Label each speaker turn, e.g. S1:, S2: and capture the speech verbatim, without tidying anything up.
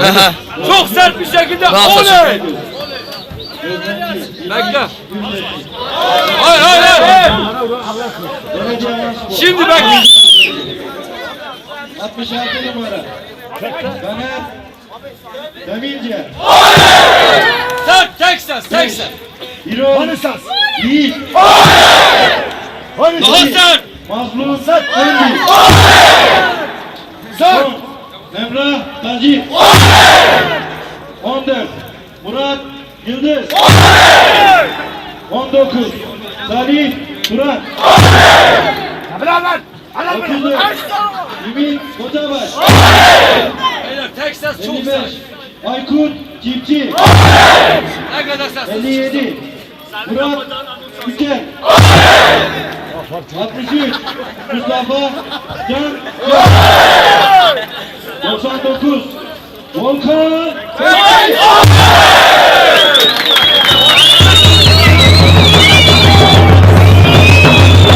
S1: Çok sert bir şekilde oley. Bekle. Hayır hayır hayır. Şimdi bekle.
S2: altmış altı numara. Caner Demirci.
S1: Sert tek ses tek ses.
S2: İrol Yiğit.
S1: Daha sert.
S2: Mazlum Öndü. Son Emrah Taci. on dört Murat Yıldız. on dokuz Salih Turan. otuz dört Ümit Kocabaş.
S1: Beyler tek ses çok
S2: elli
S1: sert.
S2: beş Aykut Çiftçi.
S1: Ne kadar ses?
S2: elli yedi Murat Yükel. altmış üç Mustafa Can. doksan dokuz Volkan.